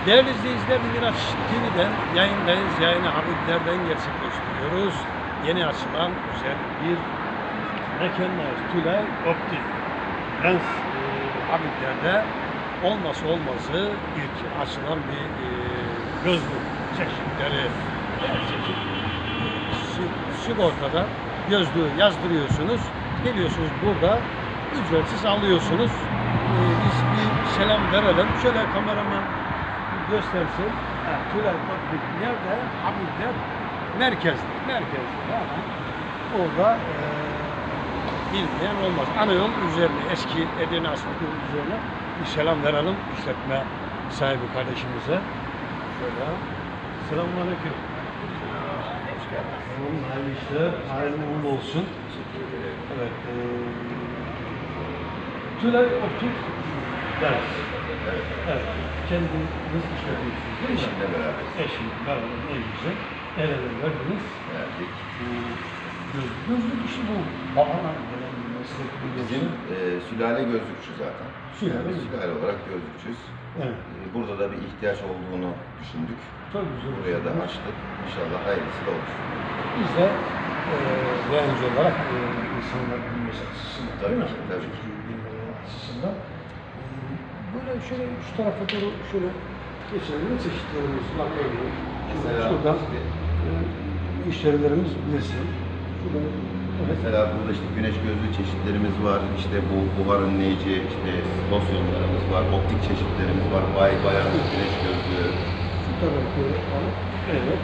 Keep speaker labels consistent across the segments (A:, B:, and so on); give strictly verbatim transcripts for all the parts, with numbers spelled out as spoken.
A: Değerli izleyiciler, Miraç T V'den yayındayız. Yayını Habibler'den gerçekleştiriyoruz. Yeni açılan güzel bir mekandayız. Tülay Optik. Lens e, Habibler'de olması olmazı ilk açılan bir e, gözlük çeşitleri. Çeşit, e, sigortada gözlüğü yazdırıyorsunuz. Geliyorsunuz burada ücretsiz alıyorsunuz. E, biz bir selam verelim. Şöyle kameraman göstersin. Ha, Tülay Optik nerede? Habibler merkezde. Merkezde. Yani orada e, bilmeyen olmaz. Ana yol üzerine, eski Edirne Asfalt yolu üzerine bir selam verelim işletme sahibi kardeşimize. Şöyle. Selamünaleyküm. Hoş geldiniz. Hayırlı işler, hayırlı uğurlu olsun. Evet. E, Tülay Optik ders.
B: Evet.
A: Evet. Kendiniz işletiyorsunuz değil mi?
B: Eşimle beraber.
A: Eşim, beraber ne güzel. El ele verdiniz.
B: Verdik.
A: Göz, gözlük işi bu. Babana gelen bir meslek. Bir
B: Bizim e, sülale gözlükçü zaten.
A: Sülale.
B: Sülale olarak gözlükçüyüz.
A: Evet.
B: E, burada da bir ihtiyaç olduğunu düşündük.
A: Çok güzel.
B: Buraya da açtık. İnşallah hayırlısı da olur.
A: Biz de e, yayıncı olarak e, insanlar bilmesi açısından.
B: Tabii
A: değil mi?
B: ki, tabii ki.
A: Bilmeleri açısından. E, böyle şöyle şu tarafa doğru şöyle geçelim. Ne çeşitlerimiz var? Örneğin.
B: Mesela
A: Şuradan
B: işte,
A: e, müşterilerimiz bilsin. Şuradan, evet.
B: mesela burada işte güneş gözlüğü çeşitlerimiz var. İşte bu buhar önleyici, işte losyonlarımız var. Optik çeşitlerimiz var. Bay bayan güneş gözlüğü.
A: Şu tarafı alıp, evet.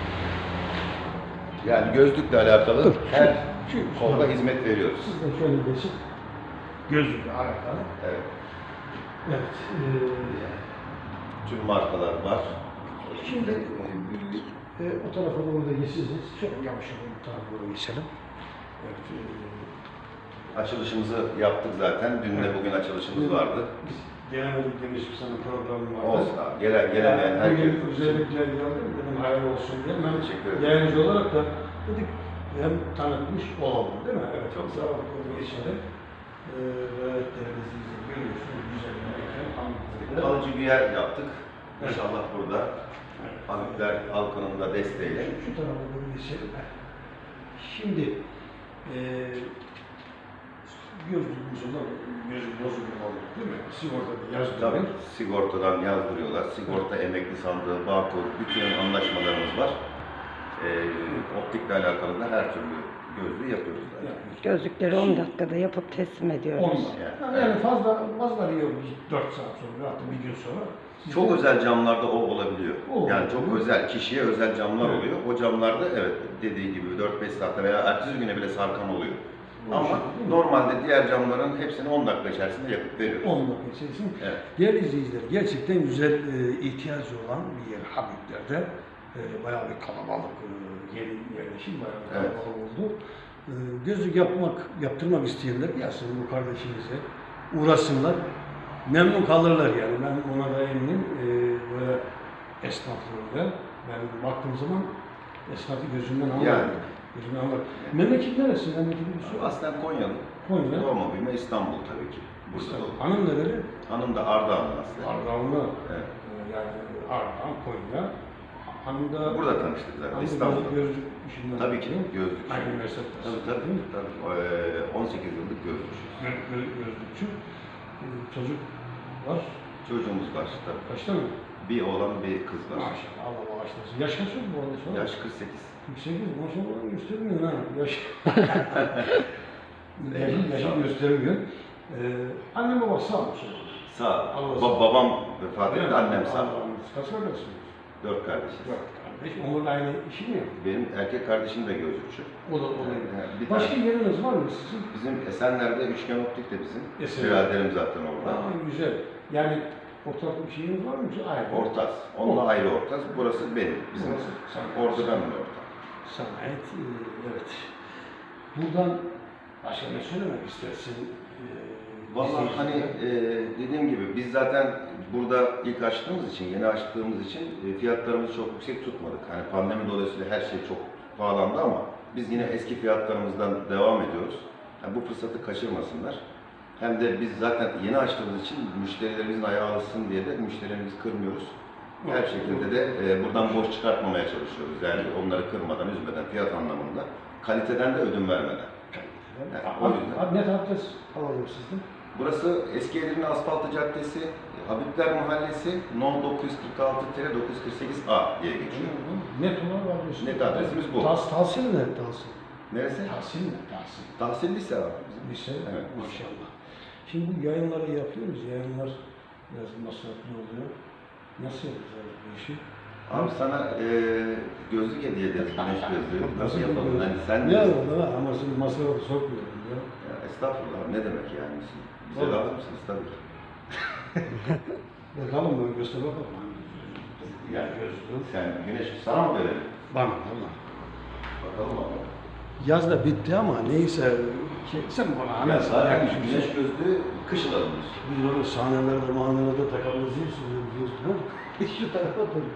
B: Yani gözlükle alakalı
A: Dur,
B: her
A: şu- şu
B: konuda
A: tarafa.
B: hizmet veriyoruz.
A: Siz de şöyle geçin. Gözlükle alakalı.
B: Evet.
A: Evet. E,
B: Tüm markalar var.
A: Şimdi e, o tarafa doğru da geçeceğiz. Şöyle yavaş yavaş bu tarafa doğru geçelim. Evet. E,
B: Açılışımızı yaptık zaten. Dün de bugün açılışımız vardı.
A: Biz gelemedik demiş bir sana programı vardı.
B: Olsun abi. Gelen, gelemeyen herkes.
A: Bugün özellikle geldim. Dedim hayırlı olsun diye. Ben
B: Teşekkür ederim.
A: yayıncı olarak da dedik hem tanıtmış olalım değil mi? Evet.
B: Çok
A: Çok sağ olun. Geçelim. Ee, evet değerli izleyiciler görüyorsunuz. Güzel bir mekan. Anlatıldı.
B: Kalıcı bir yer yaptık.
A: Evet.
B: İnşallah burada
A: Evet.
B: Habibler halkının da desteğiyle.
A: Şu, şu tarafa doğru geçelim. Şimdi e, gözlüğümüz olan gözlük bozukluğu olur değil mi? Sigortada
B: Tabii
A: yazdırıyor.
B: sigortadan yazdırıyorlar. Sigorta, emekli sandığı, Bağkur, bütün anlaşmalarımız var. Ee, optikle alakalı da her türlü gözlüğü yapıyoruz zaten.
A: Yani,
C: Gözlükleri on dakikada yapıp teslim ediyoruz.
A: Ondan.
B: Yani,
A: Yani, yani fazla fazla yok. dört saat sonra hatta bir gün sonra.
B: Çok özel camlarda o olabiliyor.
A: O
B: yani çok
A: olabiliyor.
B: özel, kişiye özel camlar
A: Evet.
B: oluyor. O camlarda evet dediği gibi dört beş saatte veya ertesi güne bile sarkan oluyor.
A: O
B: Ama
A: şey değil mi?
B: normalde diğer camların hepsini on dakika içerisinde yapıp veriyoruz.
A: on dakika içerisinde.
B: Evet.
A: Değerli izleyiciler, gerçekten güzel e, ihtiyacı olan bir yer Habibler'de. E, bayağı bir kalabalık, e, yeni yerleşim bayağı bir
B: Evet.
A: kalabalık oldu. E, gözlük yapmak, yaptırmak isteyenler gelsin bu kardeşimize, uğraşsınlar. Memnun kalırlar yani, ben ona da eminim. E, böyle esnaflığında, ben baktığım zaman esnafı gözümden anlarım.
B: Yani.
A: Gözümden anlarım. Memleket neresi? Memleket bir soru.
B: Aslen Konyalı.
A: Konya.
B: Doğma büyüme İstanbul tabii ki. Burada
A: İşte,
B: doğdum.
A: hanım nereli?
B: Hanım da Ardahanlı aslen.
A: Ardahanlı.
B: Evet.
A: Ee, Yani Ardahan, Konya. Hanım da...
B: Burada tanıştık zaten
A: Hanım da
B: İstanbul'da.
A: gözlük işinden.
B: Tabii ki gözlük.
A: Aynı meslektaş.
B: Tabii tabii.
A: Değil mi?
B: tabii. Ee, on sekiz yıllık gözlük.
A: Gö gö gözlükçü. Ee, Çocuk var.
B: Çocuğumuz var tabii.
A: Kaçta mı?
B: Bir oğlan bir kız var.
A: Maşallah. Allah bağışlasın. Yaş kaç oldu bu arada sonra?
B: Yaş kırk sekiz.
A: kırk sekiz. Maşallah göstermiyor ha. Yaş. Yaşı,
B: Sağ
A: yaşı
B: ol.
A: göstermiyor. Ee, annem baba sağ mı?
B: Sağ.
A: Allah
B: Ba
A: sağ-
B: babam vefat etti, annem sağ.
A: Allah'ım, kaç kardeşsiniz?
B: Dört kardeşiz.
A: Dört kardeş. Onlarla aynı işi mi yapıyor?
B: Benim erkek kardeşim de gözlükçü.
A: O da o da.
B: Yani bir
A: Başka
B: tane-
A: yeriniz var mı sizin?
B: Bizim Esenler'de Üçgen Optik de bizim.
A: Esenler.
B: Biraderim zaten orada.
A: Aa, güzel. Yani ortak bir şeyiniz var mı? Ayrı.
B: Ortaz. Onunla
A: Ortak.
B: ayrı ortaz. Burası benim. Bizim.
A: Burası sen-
B: Orada ben de ortak.
A: Sanayet, e, evet. Buradan başka ne söylemek istersin? E,
B: Vallahi
A: bizi-
B: hani e, dediğim gibi biz zaten burada ilk açtığımız için, yeni açtığımız için e, fiyatlarımızı çok yüksek tutmadık. Hani pandemi dolayısıyla her şey çok pahalandı ama biz yine eski fiyatlarımızdan devam ediyoruz. Yani bu fırsatı kaçırmasınlar. Hem de biz zaten yeni açtığımız için müşterilerimizin ayağı alışsın diye de müşterilerimizi kırmıyoruz. Her şekilde de e, buradan boş çıkartmamaya çalışıyoruz. Yani onları kırmadan, üzmeden, fiyat anlamında, kaliteden de ödün vermeden. Yani o yüzden.
A: Abi net adres alalım sizden.
B: Burası Eski Edirne Asfaltı Caddesi, Habibler Mahallesi, No dokuz yüz kırk altı dokuz yüz kırk sekiz A diye geçiyor.
A: Net olarak adresi.
B: Net adresimiz bu.
A: Tas, tahsil mi? Tahsil.
B: Neresi?
A: Tahsil mi? Tahsil.
B: Tahsil lise abi.
A: Lise.
B: Evet.
A: Maşallah. Şimdi bu yayınları yapıyoruz. Yayınlar biraz masraflı oluyor. Nasıl yapacağız bu işi?
B: Abi sana e, gözlük hediye ederiz, güneş gözlüğü. Nasıl yapalım? Hani sen
A: Ne yapalım ha? Ama şimdi masrafı sokmuyorum ya.
B: Ya estağfurullah, ne demek yani? Bize
A: Vallahi.
B: lazımsınız tabii ki.
A: Bakalım böyle göster bakalım.
B: Yani
A: gözlüğü.
B: sen güneş sana mı verelim?
A: Bana valla.
B: Bakalım ama.
A: Yaz da bitti ama neyse. Şey, sen bana
B: Ya
A: hemen
B: zaten
A: sana
B: güneş gözlüğü kışın alınır.
A: Biz onu sahnelerde, mahnelerde takabiliriz. Biliyorsun ha? Şu tarafa dur.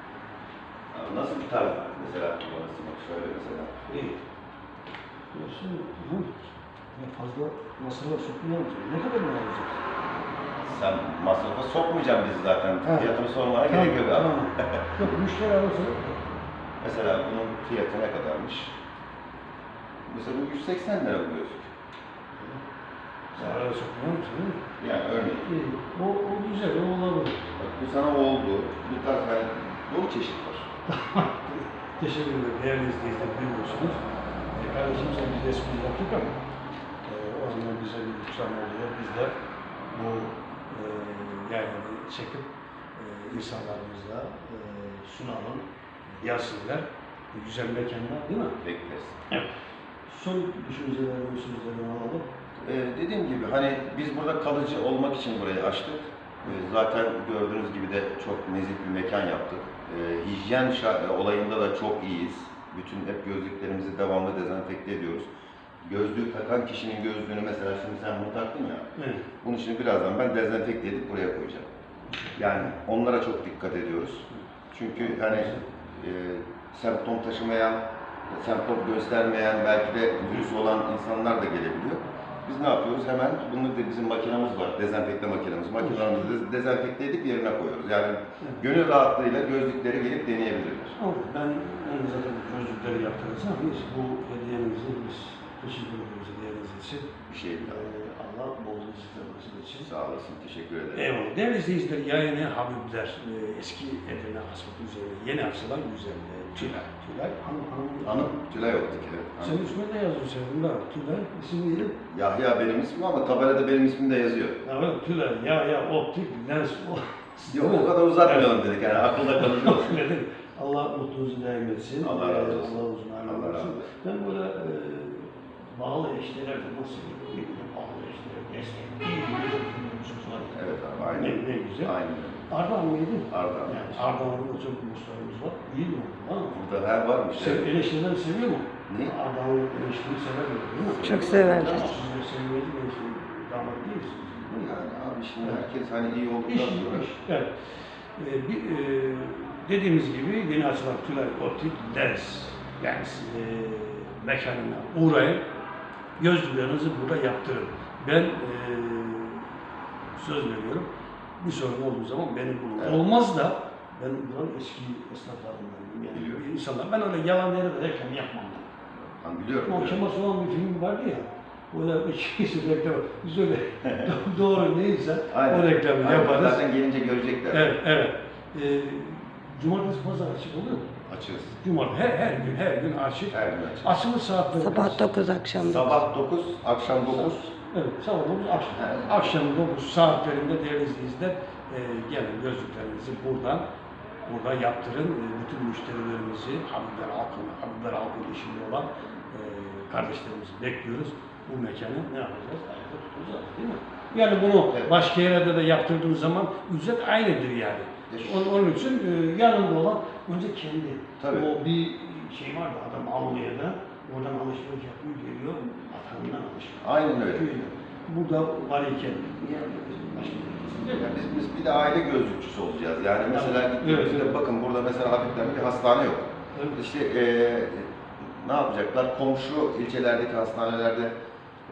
B: Abi nasıl bir tarz mesela kullanırsın bak şöyle mesela.
A: İyi. Nasıl? Hı? Ya fazla masrafla sokmayacağım. Ne kadar mı alacağız?
B: Sen masrafa sokmayacaksın bizi zaten.
A: Ha.
B: Fiyatını sormana gerek yok abi.
A: Tamam. Yok müşteri arası.
B: Mesela bunun fiyatı ne kadarmış? Mesela bu yüz seksen lira bu gözlük.
A: Zarara sokmuyor musun? Değil mi?
B: Yani örneğin.
A: İyi. O, o güzel, o olabilir.
B: Bak bu sana oldu. Bu tarz hani dolu çeşit var.
A: Teşekkür ederim. Değerli izleyiciler biliyorsunuz. E, kardeşim sen biz resmini yaptık ama e, o zaman bize bir ikram oluyor. Biz de bu e, yayını çekip e, insanlarımıza e, sunalım, yazsınlar. Bu güzel mekanlar değil mi?
B: Bekleriz.
A: Evet. Son düşüncelerimi, sözlerimi alalım.
B: Ee, dediğim gibi hani biz burada kalıcı olmak için burayı açtık. Ee, zaten gördüğünüz gibi de çok nezih bir mekan yaptık. Ee, hijyen şa- olayında da çok iyiyiz. Bütün hep gözlüklerimizi devamlı dezenfekte ediyoruz. Gözlüğü takan kişinin gözlüğünü mesela şimdi sen bunu taktın ya.
A: Evet.
B: Bunun için birazdan ben dezenfekte edip buraya koyacağım. Yani onlara çok dikkat ediyoruz. Çünkü hani e, semptom taşımayan, semptom göstermeyen, belki de virüs olan insanlar da gelebiliyor. Biz ne yapıyoruz? Hemen bunun da bizim makinamız var, dezenfekte makinamız. Makinamızı de- dezenfekte edip yerine koyuyoruz. Yani gönül rahatlığıyla gözlükleri gelip deneyebilirler.
A: Ama ben, ben zaten gözlükleri yaptınız ama biz bu hediyenizi biz teşekkür ediyoruz hediyeniz için.
B: Bir şey
A: Ee,
B: daha.
A: Allah bol rızıklarınız için.
B: Sağ olasın, teşekkür ederim.
A: Eyvallah. Değerli izleyiciler, yayını Habibler, e, eski Edirne Asfalt üzerine yeni açılan güzel e, Tülay. Tülay, hanım, hanım.
B: Hanım, Tülay Optik. Evet.
A: Sen ismini de yazıyor senin de. Tülay, isim neydi?
B: Yahya benim ismim ama tabelada benim ismim de yazıyor.
A: Ya evet, Tülay, ya ya optik, lens, o.
B: Yok o kadar uzatmayalım dedik yani akılda kalıcı olsun.
A: Dedim, Allah mutluluğunuzu daim etsin.
B: Allah razı olsun.
A: Allah uzun ömür
B: Allah razı
A: versin.
B: olsun.
A: Ben böyle e, bağlı eşlere de nasıl birbirine bağlı eşlere destek, iyi bir düşünmüşsünüz var.
B: Evet abi, aynen.
A: Ne, ne güzel.
B: Aynen.
A: Ardahan mıydı?
B: Ardahan.
A: Yani Ardahan'da çok dostlarımız var. İyi mi oldu? Ha?
B: Burada her varmış.
A: Sev,
B: Evet.
A: eleştirileri seviyor mu?
B: Ne?
A: Ardahan'ın eleştiriyi sever mi? Değil mi?
C: Çok severler.
A: Siz de sevmeli mi? Damat değilsiniz. değil mi?
B: Yani abi şimdi herkes hani iyi olduktan
A: İş,
B: sonra.
A: iş. Evet. Ee, bir, e, dediğimiz gibi yeni açılan Tülay Optik Lens yani e, mekanına uğrayın. Gözlüklerinizi burada yaptırın. Ben e, söz veriyorum. Bir sorun olduğu zaman beni bulun.
B: Evet.
A: Olmaz da ben buranın eski esnaflarındanım. Yani
B: Biliyorum.
A: insanlar. Ben öyle yalan yere de reklam yapmam.
B: Hani biliyorum.
A: O
B: biliyorum.
A: Kemal Sunal bir film vardı ya. Orada ikisi reklam. Biz öyle doğru neyse
B: Aynen.
A: o reklamı
B: Aynen.
A: yaparız.
B: Zaten gelince görecekler.
A: Evet, evet. Ee, cumartesi pazar açık oluyor mu?
B: Açığız.
A: Cumartesi her, her gün her gün açık.
B: Her gün açığız.
A: Açılış saatleri
C: Sabah
A: kaç?
C: dokuz akşam dokuz.
B: Sabah dokuz, akşam dokuz.
A: Evet, sabah dokuz, akşam.
B: Evet.
A: Akşam dokuz saatlerinde değerli izleyiciler e, gelin gözlüklerinizi buradan burada yaptırın. E, bütün müşterilerimizi, Habibler halkını, Habibler halkının işinde olan e, kardeşlerimizi bekliyoruz. Bu mekanı ne yapacağız? Ayakta tutacağız değil mi? Yani bunu
B: Evet.
A: başka yerde de yaptırdığın zaman ücret aynıdır yani. Onun, onun için e, yanında olan önce kendi.
B: Tabii.
A: O bir şey var da adam Almanya'da oradan alışveriş yapıyor geliyor vatanından alışveriş.
B: Aynen öyle.
A: Köyüne. Burada var iken niye başka bir şey
B: Yani biz, biz bir de aile gözlükçüsü olacağız. Yani mesela
A: Evet,
B: gittiğimizde
A: evet.
B: bakın burada mesela Habibler'de bir hastane yok.
A: Evet.
B: İşte eee ne yapacaklar? Komşu ilçelerdeki hastanelerde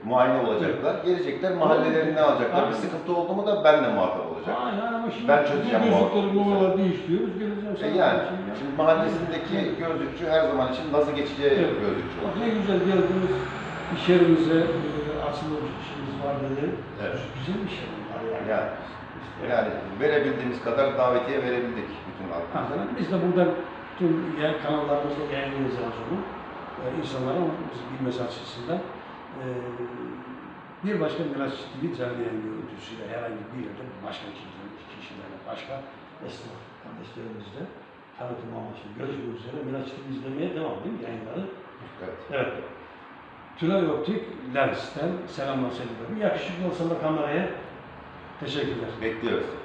B: muayene olacaklar. Gelecekler, mahallelerini alacaklar.
A: Aynen.
B: Bir sıkıntı oldu mu da benle muhatap olacak.
A: Aynen ama şimdi
B: Ben çözeceğim
A: bu
B: bu
A: gözlükleri
B: hakları.
A: numaralar değiştiriyoruz. Geleceğim
B: E
A: sana.
B: yani,
A: bir şey ya.
B: şimdi mahallesindeki gözlükçü her zaman için nazı geçeceği
A: Evet.
B: gözlükçü
A: Bak
B: olacak.
A: ne güzel geldiniz. İş yerimize e, açılır işimiz var dedi.
B: Evet.
A: Güzel bir şey var yani.
B: Yani, yani verebildiğimiz kadar davetiye verebildik bütün halkımıza.
A: Hakikaten biz de buradan tüm yer kanallarımızda yayınlayacağız onu. E, insanlara onu bilmesi açısından. E, bir başka Miraç T V canlı yayın görüntüsüyle herhangi bir yerde başka kişilerle, kişilerle başka esnaf kardeşlerimizle tanıtım amaçlı görüşmek üzere Miraç T V izlemeye devam edin yayınları.
B: Evet.
A: Evet. Tülay Optik Lens'ten selamlar sevgiler. Yakışıklı olsa da kameraya teşekkürler.
B: Bekliyoruz.